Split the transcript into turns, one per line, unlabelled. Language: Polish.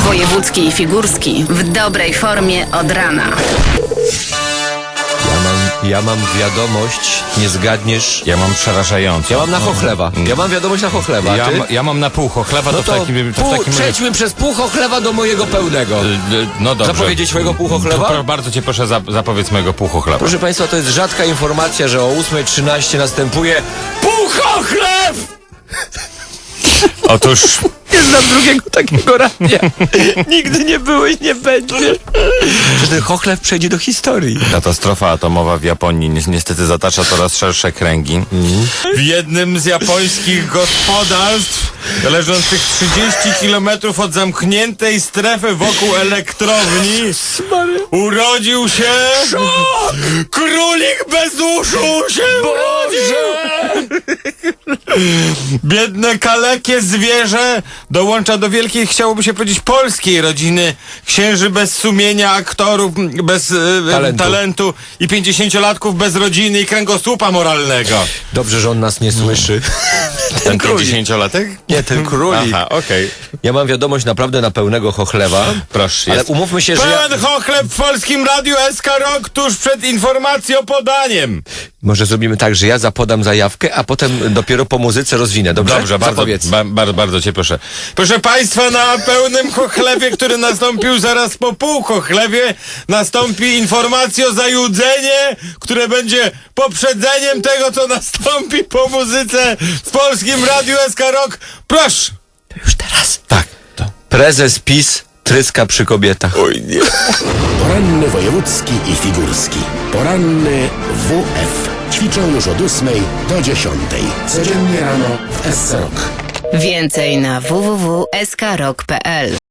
Wojewódzki i Figurski w dobrej formie od rana.
Ja mam wiadomość, nie zgadniesz.
Ja mam przerażającą.
Ja mam na Chochlewa. Ja mam wiadomość na Chochlewa. a ty?
Ja mam na pół Chochlewa,
No
to w takim razie...
przejdźmy przez pół Chochlewa do mojego pełnego.
No dobrze.
Zapowiedzieć swojego pół Chochlewa?
Bardzo cię proszę, zapowiedz mojego pół Chochlewa.
Proszę Państwa, to jest rzadka informacja, że o 8:13 następuje pół Chochlew!
Otóż...
Nie znam drugiego takiego radia. Nigdy nie było i nie będzie. Że ten Chochlew przejdzie do historii.
Katastrofa atomowa w Japonii niestety zatacza coraz szersze kręgi. W jednym z japońskich gospodarstw, leżących 30 kilometrów od zamkniętej strefy wokół elektrowni, urodził się... Królik bez uszu się urodził! Biedne, kalekie zwierzę dołącza do wielkiej, chciałoby się powiedzieć, polskiej rodziny księży bez sumienia, aktorów bez talentu i 50-latków bez rodziny i kręgosłupa moralnego.
Dobrze, że on nas nie słyszy.
Ten 50-latek?
Nie, ten królik.
Aha, okej.
Ja mam wiadomość naprawdę na pełnego Chochlewa.
Proszę.
Ale umówmy się, że
Pełen Chochlew w Polskim Radiu SK Rock tuż przed informacją podaniem.
może zrobimy tak, że ja zapodam zajawkę, a potem dopiero po muzyce rozwinę. Dobrze?
Dobrze, bardzo cię proszę. Proszę Państwa, na pełnym Chochlewie, który nastąpił zaraz po pół Chochlewie, nastąpi informacja o zajudzenie, które będzie poprzedzeniem tego, co nastąpi po muzyce w Polskim Radiu SK Rock. Proszę!
To już teraz.
Tak, to.
Prezes PiS tryska przy kobietach.
Oj, nie.
Poranny wojewódzki i figurski. Poranny WF. Ćwiczą już od 8 do 10. Codziennie rano w SC Rock.
Więcej na www.skrok.pl